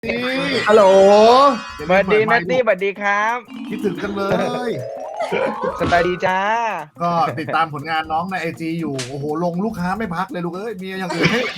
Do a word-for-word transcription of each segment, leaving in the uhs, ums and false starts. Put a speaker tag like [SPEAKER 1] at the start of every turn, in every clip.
[SPEAKER 1] นี่
[SPEAKER 2] ฮัลโหล
[SPEAKER 1] ส
[SPEAKER 3] สวัสดีนัตตี้สวัสดีครับ
[SPEAKER 1] คิดถึงกันเลย
[SPEAKER 3] สบายดีจ้า
[SPEAKER 1] ก็ติดตามผลงานน้องในไอจีอยู่โอ้โหลงลูกค้าไม่พักเลยลูกเอ้ยมีอย่างอื่นให้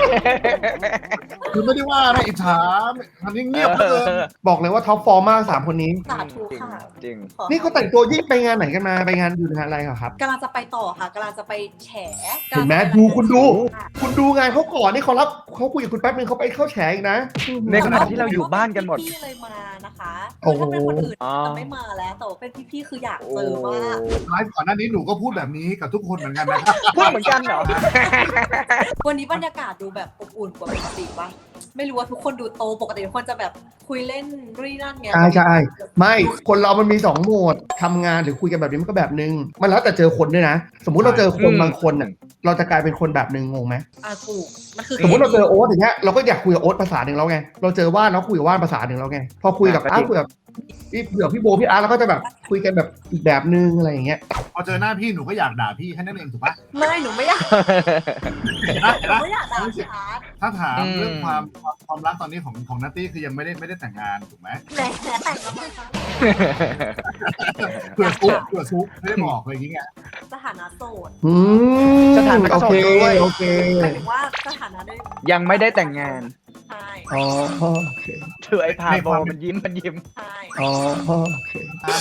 [SPEAKER 1] คือไม่ได้ว่านะอิจฉาอันนี้เงียบเหลย
[SPEAKER 2] บอกเลยว่าท็อปฟอร์มมากสามคนนี้
[SPEAKER 4] สาธุค่ะ
[SPEAKER 3] จริง
[SPEAKER 4] ขอ
[SPEAKER 2] นี่เขาแต่งตัวยิ่งไปงานไหนกันมาไปงานอยู่งานอะไรเหรอครับ
[SPEAKER 4] กำลังจะไปต่อค่ะกำลังจะไปแฉ
[SPEAKER 2] เห็นไหมดูคุณดู คุณดูงานเขาก่อนนี่เขารับเขาคุยกับคุณแป๊บนึงเขาไปเข้าแฉอีกนะ
[SPEAKER 3] ในขณะที่เราอยู่บ้านกันหมด
[SPEAKER 4] พี่เลยมานะคะ
[SPEAKER 2] โอ้
[SPEAKER 4] คือ
[SPEAKER 2] โห
[SPEAKER 4] ถ้าเป็นคนอื่น
[SPEAKER 3] อ๋อ
[SPEAKER 4] จะไม่มาแล้วแต่ว่าเป็นพี่ๆคืออยากเจอมาก
[SPEAKER 1] ไลฟ์ก่อนหน้านี้หนูก็พูดแบบนี้กับทุกคนเหมือนกันนะครับ
[SPEAKER 3] พูดเหมือนกันเหรอ
[SPEAKER 4] วันนี้บรรยากาศดูแบบอบอุ่นกว่าปกติป่ะไม่รู้ว่าทุกคนดูโตปกติทุกคนจะแบบคุยเล่นรี่นั่นไง
[SPEAKER 2] ใช่ใช่ไม่คนเรามันมีสองโหมดทำงานหรือคุยกันแบบนี้มันก็แบบนึงมันแล้วแต่เจอคนด้วยนะ สมมุติเราเจอคน
[SPEAKER 3] อืม
[SPEAKER 2] บางคนน่ะเราจะกลายเป็นคนแบบนึงงงไหม
[SPEAKER 4] อ่ะถูกมันคือ
[SPEAKER 2] สมมติเราเจอโอ๊ตอย่างเงี้ยเราก็อยากคุยกับโอ๊ตภาษาหนึ่งแล้วไงเราเจอว่านเราคุยกับว่านภาษาหนึ่งแล้วไงพอคุยกับอาร์ตคุยกับพี่เผื่อพี่โบพี่อาร์ตเราก็จะแบบคุยกันแบบอีกแบบนึงอะไรอย่างเงี้ย
[SPEAKER 1] พอเจอหน้าพี่หนูก็อยากด่าพี่แค่นั้นเองถูกปะ
[SPEAKER 4] ไม่หนูไม่อยาก
[SPEAKER 1] เห็นปะ
[SPEAKER 4] ห
[SPEAKER 1] เห็น
[SPEAKER 4] นู
[SPEAKER 1] ปะ
[SPEAKER 4] ไม่อยากด่าพี่อาร์ต
[SPEAKER 1] ถ้าถาม
[SPEAKER 3] อืม
[SPEAKER 1] เรื่องความความความรักตอนนี้ของของนัตตี้คือยังไม่ได้ไม่ได้แต่งงานถูกไหม
[SPEAKER 4] แหมแต่งแล้วมั้งคะ
[SPEAKER 1] เผื่อซุกเผื่อซุกไม่ได้บอกอะไรอย่างเงี้ย
[SPEAKER 4] สถานะโสด
[SPEAKER 2] อืม
[SPEAKER 3] สถานะ
[SPEAKER 2] โอ
[SPEAKER 3] โส
[SPEAKER 2] เค
[SPEAKER 3] ดด้วย
[SPEAKER 2] โอเค
[SPEAKER 4] หมายถึงว่าสถานะได้
[SPEAKER 3] ยังไม่ได้แต่งงาน
[SPEAKER 4] ใช่
[SPEAKER 2] อ๋อโอเค
[SPEAKER 3] ถือไอ้พาโบมันยิ้มมันยิ้ม
[SPEAKER 4] ใช่
[SPEAKER 2] อ๋อโอเค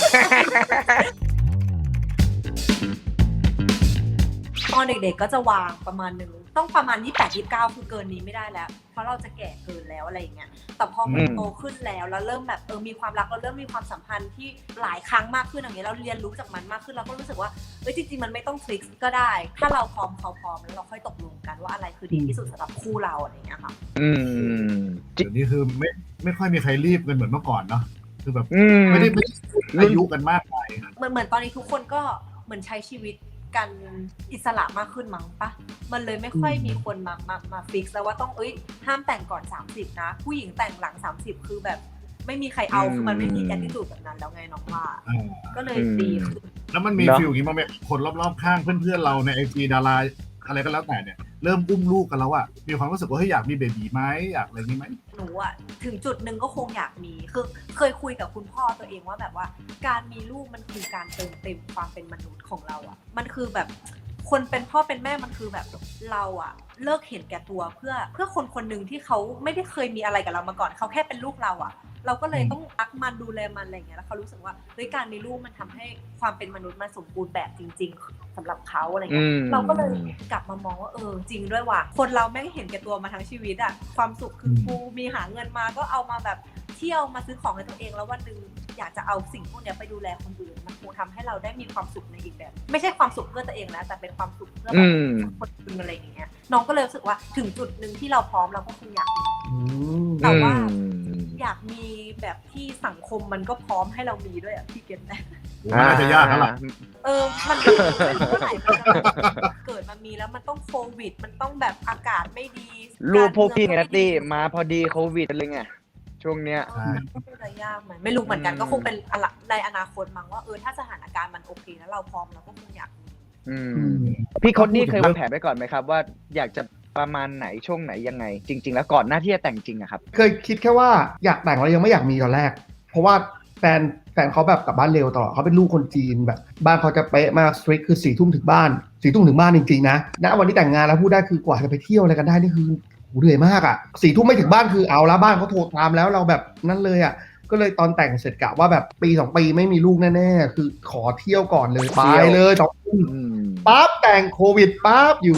[SPEAKER 4] ตอนเด็กๆก็จะวางประมาณหนึ่งต้องประมาณยี่สิบแปด ยี่สิบเก้าคือเกินนี้ไม่ได้แล้ว เพราะเราจะแก่เกินแล้วอะไรอย่างเงี้ยแต่พอมัน
[SPEAKER 3] อืม
[SPEAKER 4] โตขึ้นแล้วแล้วเริ่มแบบเออมีความรักเราเริ่มมีความสัมพันธ์ที่หลายครั้งมากขึ้นอย่างเงี้ยเราเรียนรู้จากมันมากขึ้นเราก็รู้สึกว่าเอ้ยจริงๆมันไม่ต้องฟิกซ์ก็ได้ ถ้าเราพร้อมเขาพร้อมแล้วเราค่อยตกลงกันว่าอะไรคือดีที่สุดสำหรับคู่เราอะไรอย่างเงี้ยค่ะ
[SPEAKER 3] อืมจริง
[SPEAKER 1] เดี๋ยวนี้คือไม่ไม่ค่อยมีใครรีบกันเหมือนเมื่อก่อนเนาะคือแบบ
[SPEAKER 3] อืม
[SPEAKER 1] ไม่ได้ไม่ได้อายุกันมากไปนะ
[SPEAKER 4] เหมือนเหมือนตอนนี้ทุกคนก็เหมือนใช้ชีวิตกันอิสระมากขึ้นมั้งปะมันเลยไม่ค่อยมีคนมามามาฟิกซ์แล้วว่าต้องเอ้ยห้ามแต่งก่อนสามสิบนะผู้หญิงแต่งหลังสามสิบคือแบบไม่มีใครเอา
[SPEAKER 3] อืม
[SPEAKER 4] คือมันไม่มีแอตติจูดแบบนั้นแล้วไงน้องว่า
[SPEAKER 1] อ่า
[SPEAKER 4] ก็เลยดีขึ้น
[SPEAKER 1] แล้วมันมี
[SPEAKER 3] เนอะ
[SPEAKER 1] ฟิลอย่างนี้มาไหมคนรอบๆข้างเพื่อนๆเราในไอจีดาราอะไรก็แล้วแต่เนี่ยเริ่มอุ้มลูกกันแล้วอะมีความรู้สึกว่าเฮ้ยอยากมีเบบีไหมอยากอะไรนี้ไหม
[SPEAKER 4] หนูอะถึงจุดหนึ่งก็คงอยากมีคือเคยคุยกับคุณพ่อตัวเองว่าแบบว่า การมีลูกมันคือการเติมเต็มความเป็นมนุษย์ของเราอะมันคือแบบคนเป็นพ่อเป็นแม่มันคือแบบเราอะเลิกเห็นแก่ตัวเพื่อเพื่อคนคนหนึ่งที่เขาไม่ได้เคยมีอะไรกับเรามาก่อนเขาแค่เป็นลูกเราอะเราก็เลยต้องรักมันดูแลมันอะไรอย่างเงี้ยแล้วเขารู้สึกว่าเฮ้ยการมีลูกมันทำให้ความเป็นมนุษย์มันสมบูรณ์แบบจริง ๆสำหรับเขาอะไรเงี้ย
[SPEAKER 3] อืม
[SPEAKER 4] เราก็เลยกลับมามองว่าเออจริงด้วยว่ะคนเราแม่งเห็นแก่ตัวมาทั้งชีวิตอะความสุขคือกูมีหาเงินมาก็เอามาแบบเที่ยวมาซื้อของให้ตัวเองแล้ววันหนึ่งอยากจะเอาสิ่งพวกเนี้ยไปดูแลคนอื่นมันคงทำให้เราได้มีความสุขในอีกแบบ ไม่ใช่ความสุขเพื่อตัวเองแล้วแต่เป็นความสุขเพื่อแบ
[SPEAKER 3] อื
[SPEAKER 4] บ
[SPEAKER 3] ม
[SPEAKER 4] คนอื่นอะไรอย่างเงี้ยน้องก็เลยรู้สึกว่าถึงจุดหนึ่งที่เราพร้อมเราก็คงอยากมี
[SPEAKER 2] อืม
[SPEAKER 4] แต่ว่า
[SPEAKER 3] อืม
[SPEAKER 4] อยากมีแบบที่สังคมมันก็พร้อมให้เรามีด้วยอะพี่เก็ตไหม
[SPEAKER 1] มันน่าจะยากแล้วล่ะ
[SPEAKER 4] เออ มันไม่รู้เมื่อไหร่มันจะแบบเกิดมามีแล้วมันต้องโควิด มันต้องแบบอากาศไม่ดี
[SPEAKER 3] ลูกพวกพี่ไงนัตตี้มาพอดีโควิดเลยไงช่วงเนี้ย
[SPEAKER 4] เออมันก็จะยากไหมไม่รู้เหมือนกัน
[SPEAKER 3] อืม
[SPEAKER 4] ก็คงเป็นอะไรในอนาคตมั้งว่าเออถ้าสถานการณ์มันโอเคแล้วเราพร้อมเราก็คงอยากมี
[SPEAKER 3] อืม
[SPEAKER 2] อืม
[SPEAKER 3] พี่คนนี่เคยวางแผนไว้ก่อนไหมครับ ว่าอยากจะประมาณไหนช่วงไหนยังไง จริง ๆ แล้วก่อนหน้าที่จะแต่งจริงอะครับ
[SPEAKER 2] เคยคิดแค่ว่าอยากแต่งแล้วยังไม่อยากมีตอนแรก เพราะว่าแฟนแฟนเขาแบบกลับบ้านเร็วตลอดเขาเป็นลูกคนจีนแบบบ้านเขาจะเป๊ะมากสตริกคือสี่ทุ่มถึงบ้านสี่ทุ่มถึงบ้านจริงๆนะณวันที่แต่งงานแล้วพูดได้คือกว่าจะไปเที่ยวอะไรกันได้นี่คือโหเหนื่อยมากอ่ะสี่ทุ่มไม่ถึงบ้านคือเอาละบ้านเขาโทรตามแล้วเราแบบนั่นเลยอ่ะก็เลยตอนแต่งเสร็จกะว่าแบบปีสองปีไม่มีลูกแน่ๆคือขอเที่ยวก่อนเลยไป
[SPEAKER 3] เที่ยว
[SPEAKER 2] เลยสองทุ่ม
[SPEAKER 3] อืม
[SPEAKER 2] ปั๊บแต่งโควิดปั๊บอยู่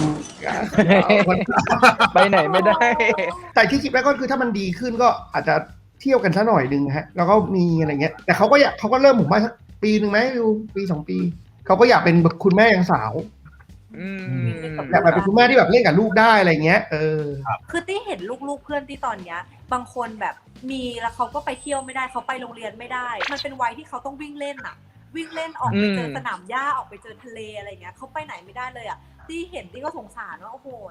[SPEAKER 3] ไปไหนไม่ได้
[SPEAKER 2] แต่ที่คิดไว้ก็คือถ้ามันดีขึ้นก็อาจจะเที่ยวกันซะหน่อยนึงฮะแล้วก็มีอะไรเงี้ยแต่เขาก็อยากเขาก็เริ่มผมว่าสักปีหนึ่งไหมดูปีสองปีเขาก็อยากเป็นคุณแม่ยังสาว
[SPEAKER 3] อืม
[SPEAKER 2] อยากแบบเป็นคุณแม่ที่แบบเล่นกับลูกได้อะไรเงี้ยเออ
[SPEAKER 4] คือตี้เห็นลูกๆเพื่อนที่ตอนเนี้ยบางคนแบบมีแล้วเขาก็ไปเที่ยวไม่ได้เขาไปโรงเรียนไม่ได้ มันเป็นวัยที่เขาต้องวิ่งเล่นอะวิ่งเล่นออกไปเจอสนามหญ้าออกไปเจอทะเลอะไรเงี้ยเขาไปไหนไม่ได้เลยอะตี้เห็นตี้ก็สงสารว่าโอ้โหเข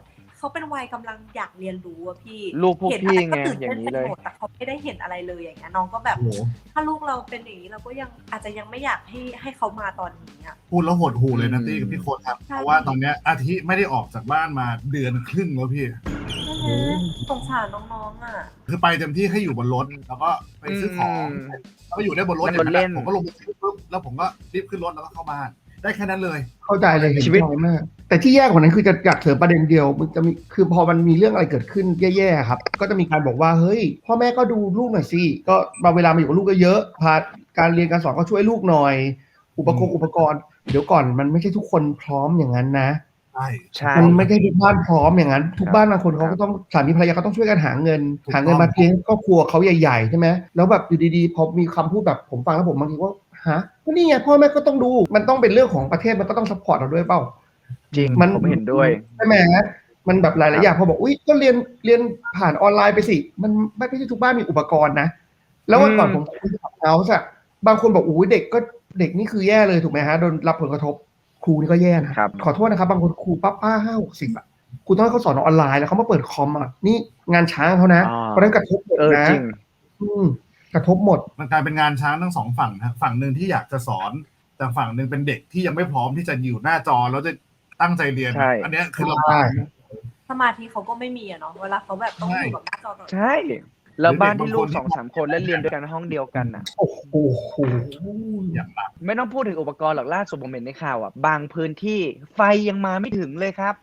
[SPEAKER 4] เขาเป็นวัยกำลังอยากเรียนรู้อะพี่
[SPEAKER 3] ลูกพวก
[SPEAKER 4] เห็น
[SPEAKER 3] พี่
[SPEAKER 4] อะไรก็
[SPEAKER 3] ไง
[SPEAKER 4] ตื่น
[SPEAKER 3] อย่า
[SPEAKER 4] เต้น
[SPEAKER 3] งนี้
[SPEAKER 4] ไป
[SPEAKER 3] เลย
[SPEAKER 4] หมดแต่เขาไม่ได้เห็นอะไรเลยอย่างเงี้ยน้องก็แบบ
[SPEAKER 1] โอ้โห
[SPEAKER 4] ถ้าลูกเราเป็นอย่างนี้เราก็ยังอาจจะยังไม่อยากให้ให้เขามาตอนนี้อะ
[SPEAKER 1] พูดแล้วหดหูเลยนะ
[SPEAKER 3] อืม
[SPEAKER 1] ตี้กับพี่โค้ดครับ
[SPEAKER 4] ใช่
[SPEAKER 1] เพราะว่าตอนเนี้ยอาทิไม่ได้ออกจากบ้านมาเดือนครึ่งแล้วพี่
[SPEAKER 4] สงสารน้องๆอ่ะ
[SPEAKER 1] คือไปเต็มที่ให้อยู่บนรถแล้วก็ไปซื้อของ
[SPEAKER 3] อืม
[SPEAKER 1] แล้วก็อยู่ได้บนรถ
[SPEAKER 3] นั่งรถเล่น
[SPEAKER 1] ผมก็ลงไปซื้อปุ๊บแล้วผมก็รีบขึ้นรถแล้วก็เข้าบ้านได้แค่นั้นเลย
[SPEAKER 2] เข้าใจเลยเห็น
[SPEAKER 3] ชีวิต
[SPEAKER 2] ใจมากแต่ที่แย่กว่านั้นคือจะอยากเสริมประเด็นเดียวมันจะมีคือพอมันมีเรื่องอะไรเกิดขึ้นแย่ๆครับก็จะมีการบอกว่าเฮ้ยพ่อแม่ก็ดูลูกหน่อยสิก็มาเวลามาอยู่กับลูกก็เยอะพาการเรียนการสอนก็ช่วยลูกหน่อย อุปกรณ์อุปกรณ์เดี๋ยวก่อนมันไม่ใช่ทุกคนพร้อมอย่างนั้นนะ
[SPEAKER 1] ใช่
[SPEAKER 3] ใช่
[SPEAKER 2] มันไม่ได้ทุกบ้านพร้อมอย่างนั้น ทุก
[SPEAKER 3] ครับ
[SPEAKER 2] บ้านบางคนเขาก็ต้องสามีภรรยาก็ต้องช่วยกันหาเงิน
[SPEAKER 1] ถูกต้อง
[SPEAKER 2] หาเงินมาเลี้ยงครอบครัวเขาใหญ่ๆใช่ไหมแล้วแบบอยู่ดีๆพอมีคำพูดแบบผมฟังแล้วผมบางทีว่าฮะก็นี่ไงพ่อแม่ก็ต้องดูมันต้องเป็นเรื่องของประเทศมันก็ต้องซัพพอร์ตเราด้วยเปล่า
[SPEAKER 3] จริง
[SPEAKER 2] มัน
[SPEAKER 3] ผมเห็นด้วย
[SPEAKER 2] ใช่ไหมมันแบบหลายๆอย่างพอบอกอุ้ยก็เรียนเรียนผ่านออนไลน์ไปสิมันไม่ใช่ทุกบ้านมีอุปกรณ์นะแล้ววันก่อน
[SPEAKER 3] อื
[SPEAKER 2] ผม มคุยกับเขาอะบางคนบอกอุ้ยเด็กก็เด็กนี่คือแย่เลยถูกไหมฮะโดนรับผลกระทบครูนี่ก็แย่นะครับ ขอโทษนะครับบางคนครูป้าป้าห้าหกสิบอะครูต้องให้เขาสอนออนไลน์แล้วเขามาเปิดคอมอะนี่งานช้างเขานะ
[SPEAKER 3] อ่า
[SPEAKER 2] เพราะฉะนั้นกระทบหมด
[SPEAKER 3] เออ
[SPEAKER 2] นะ
[SPEAKER 3] จริง
[SPEAKER 2] อืมกระทบหมด
[SPEAKER 1] มันกลายเป็นงานช้างทั้งสองฝั่งนะฝั่งหนึ่งที่อยากจะสอนแต่ฝั่งหนึ่งเป็นเด็กที่ยังไม่พร้อมที่จะอยู่หน้าจอแล้วจะตั้งใจเรียน
[SPEAKER 3] ใช่
[SPEAKER 1] อันเนี้ยคือเรา
[SPEAKER 2] ใช่
[SPEAKER 4] สมาธิเขาก็ไม่มีอะเนาะเวลาเขาแบบต้องอยู่กับหน้าจอตลอด
[SPEAKER 3] ใช่ แล้วบ้านที่ลูกสองสามคนแล้วเรียนด้วยกันในห้องเดียวกันน่ะ
[SPEAKER 2] โอ้โห
[SPEAKER 1] อย่างหนัก
[SPEAKER 3] ไม่ต้องพูดถึงอุปกรณ์หรอกล่าสุดผมเห็นในข่าวอ่ะ บางพื้นที่ไฟยังมาไม่ถึงเลยครับ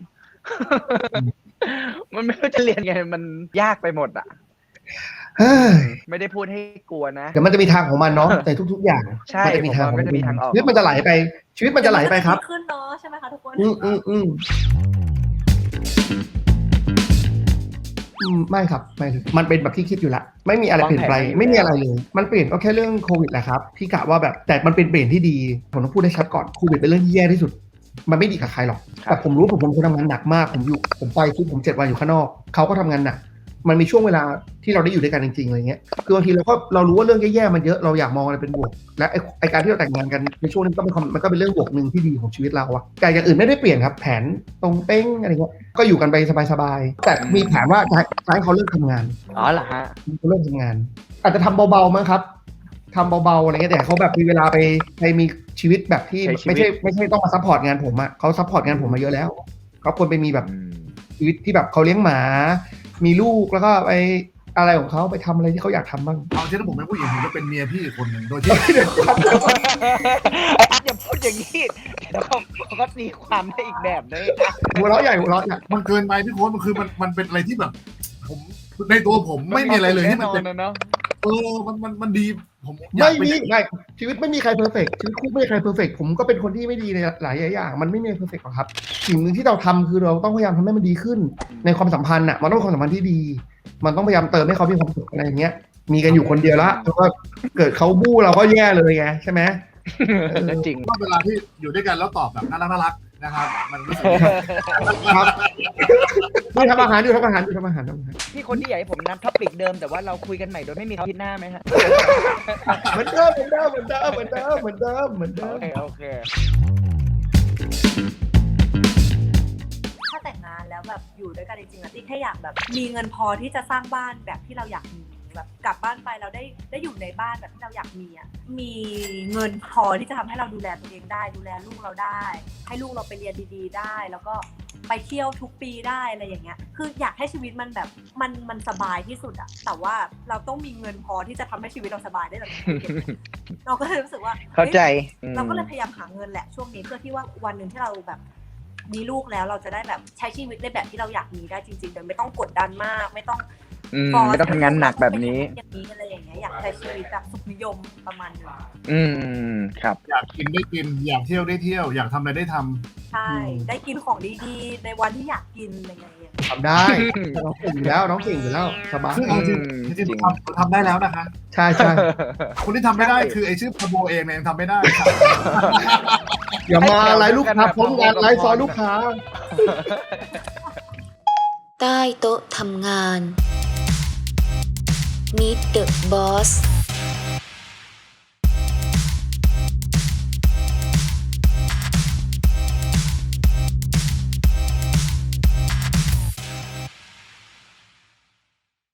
[SPEAKER 3] มันไม่รู้จะเรียนไงมันยากไปหมดอ่ะ
[SPEAKER 2] เฮ้ย
[SPEAKER 3] ไม่ได้พูดให้กลัวนะ
[SPEAKER 2] เดี๋ยวมันจะมีทางของมันเนาะในทุก ๆ อย่าง
[SPEAKER 3] ใช่
[SPEAKER 2] มันจะมีทาง
[SPEAKER 3] ผมว่ามันจะมีทางออก
[SPEAKER 2] ชีวิตมันจะไหลไป ชีวิตมันจะไหลไปครับ
[SPEAKER 4] เดี๋ยวมันจะดีขึ้นเนาะใช่ไหมคะทุกคน
[SPEAKER 2] อืมอืมอืมอืมไม่ครับไม่เลยมันเป็นแบบที่คิดอยู่แล้วไม่มีอะไรเปลี่ยนไป
[SPEAKER 3] วางแผนไว้อยู่
[SPEAKER 2] ไม่มีอะไรเลย มันเปลี่ยนก็แค่เรื่องโควิดแหละครับพี่กะว่าแบบแต่มันเป็นเปลี่ยนที่ดีผมต้องพูดให้ชัดก่อนโควิดเป็นเรื่องที่แย่ที่สุด มันไม่ดีกับใครหรอก
[SPEAKER 3] ครับ
[SPEAKER 2] แต่ผมรู้ผมผมคนทำงานหนักมากผมอยู่ผมไปทุกผมเจ็ดวันอยู่ข้างนอกเขาก็ทำงานหนักมันมีช่วงเวลาที่เราได้อยู่ด้วยกันจริงๆอะไรเงี้ยคือบางทีเราก็เรารู้ว่าเรื่องแย่ๆมันเยอะเราอยากมองอะไรเป็นบวกและไอ้ไอ้การที่เราแต่งงานกันในช่วงนี้ก็เป็นความมันก็เป็นเรื่องบวกหนึ่งที่ดีของชีวิตเราอะแต่อย่างอื่นไม่ได้เปลี่ยนครับแผนตรงเป้งอะไรเงี้ยก็อยู่กันไปสบายๆแต่มีแผนว่าจะจะให้เขาเลิกทำงาน
[SPEAKER 3] อ๋อเหรอฮะ
[SPEAKER 2] เขาเลิกทำงาน อาจจะทำเบาๆมั้งครับทำเบาๆอะไรเงี้ยแต่เขาแบบมีเวลาไปไปมีชีวิตแบบที่
[SPEAKER 3] ใช้ชีวิต
[SPEAKER 2] ไม่ใช่ไม่ใช่ต้องมาซัพพอร์ตงานผมอะเขาซัพพอร์ตงานผมมาเยอะแล้วเขาควรไปมีแบบ
[SPEAKER 3] อืม
[SPEAKER 2] ชีวิตที่แบบเขาเลี้ยงหมา มีลูกแล้วก็ไปอะไรของเขาไปทำอะไรที่เขาอยากทำบ้าง
[SPEAKER 1] เอาเช่นถ้าผมเป็นผู้หญิงผมจะเป็นเมียพี่อีกคนหนึ่งโดยที่
[SPEAKER 3] ไอ้อันอย่าพูดอย่างนี้เดี๋ยวเขาเขาก็ตีความได้อีกแบบเลย
[SPEAKER 2] หัวเราะใหญ่หัวเราะใหญ่
[SPEAKER 1] มันเกินไปพี่โค้ดมันคือมันมันเป็นอะไรที่แบบ ผมในตัวผมไม่มีอะไรเลยที่มันเป็น
[SPEAKER 3] แน่นอนนะเนาะ
[SPEAKER 1] เออมันมันมันดีผมอยา
[SPEAKER 2] ไม่
[SPEAKER 1] ก
[SPEAKER 2] มี
[SPEAKER 1] เป็น
[SPEAKER 2] ไม่ชีวิตไม่มีใครเพอร์เฟกชีวิตคู่ไม่มีใครเพอร์เฟกผมก็เป็นคนที่ไม่ดีในหลายอย่างมันไม่มีเพอร์เฟกหรอกครับสิ่งหนึ่งที่เราทำคือเราต้องพยายามทำให้มันดีขึ้น ในความสัมพันธ์อ่ะมันต้องเป็นความสัมพันธ์ที่ดี มันต้องพยายามเติมให้เขามีความสุขอะไรอย่างเงี้ย มีกันอยู่คนเดียวละแล้วก็เกิดเขาบู้เราก็แย่เลยไงใช่ไหม
[SPEAKER 3] ก็จริง
[SPEAKER 1] ก็เวลาที่อยู่ด้วยกันแล้วตอบแบบน่ารักน่ารักนะครับ มันรู้สึกดี
[SPEAKER 2] ครับดูทำอาหารดูทำอาหารดูทำอาหารทำอาหาร
[SPEAKER 3] พี่คนที่อยากให้ผมนัดท็อปิกเดิมแต่ว่าเราคุยกันใหม่โดยไม่มีอาทิตย์หน้าไหมฮะ
[SPEAKER 2] เหมือนเดิมเหมือนเดิมเหมือนเดิมเหมือนเดิมเหมือนเดิมเหมือนเดิ
[SPEAKER 3] โอ
[SPEAKER 2] ม
[SPEAKER 3] เคโอเค
[SPEAKER 4] ถ้าแต่งงานแล้วแบบอยู่ด้วยกันจริงๆอะที่แค่อยากแบบมีเงินพอที่จะสร้างบ้านแบบที่เราอยากมีแบบกลับบ้านไปเราได้ได้อยู่ในบ้านแบบที่เราอยากมีอ่ะมีเงินพอที่จะทำให้เราดูแลตัวเองได้ดูแลลูกเราได้ ให้ลูกเราไปเรียนดีๆได้ แล้วก็ไปเที่ยวทุกปีได้อะไรอย่างเงี้ยคืออยากให้ชีวิตมันแบบมันมันสบายที่สุดอะแต่ว่าเราต้องมีเงินพอที่จะทำให้ชีวิตเราสบายได้แบบนี้เราก็เลยรู้สึกว่า
[SPEAKER 3] เข้าใจ
[SPEAKER 4] เราก็เลยพยายามหาเงินแหละช่วงนี้เพื่อที่ว่าวันหนึ่งที่เราแบบมีลูกแล้วเราจะได้แบบใช้ชีวิตในแบบที่เราอยากมีได้จริงๆโดยไม่ต้องกดดันมากไม่ต้อง
[SPEAKER 3] อืมไม่ต้องทำงานหนักแบบนี้
[SPEAKER 4] อย่างนี้อะไรอย่างเงี้ยอยากใช้ชีวิตแบบสุขนิยมประมาณนึง
[SPEAKER 3] อืมครับ
[SPEAKER 1] อยากกินได้กิน อยากเที่ยวได้เที่ยว อยากทำอะไรได้ทำ
[SPEAKER 4] ใช่ได้กินของดีๆในวันที่อยากกินอะไรอย่างเงี้ย
[SPEAKER 2] ทำได้น้องเก่งอยู่แล้วน้องเก่งอยู่แล้วสบาย
[SPEAKER 1] ซึ่งเอาจริง
[SPEAKER 3] อืม
[SPEAKER 1] จริง
[SPEAKER 3] จริง
[SPEAKER 1] ๆทำทำได้แล้วนะคะ
[SPEAKER 2] ใช่ใช่
[SPEAKER 1] คนที่ทำไม่ได้คือไอชื่อพาโบเองเนี่ยยังทำไม่ได้ครับ
[SPEAKER 2] อย่ามาไลฟ์ลูกค้าพร้อมกันไลฟ์ซอยลูกค้า
[SPEAKER 5] ใต้โต๊ะทำงาน Meet the Boss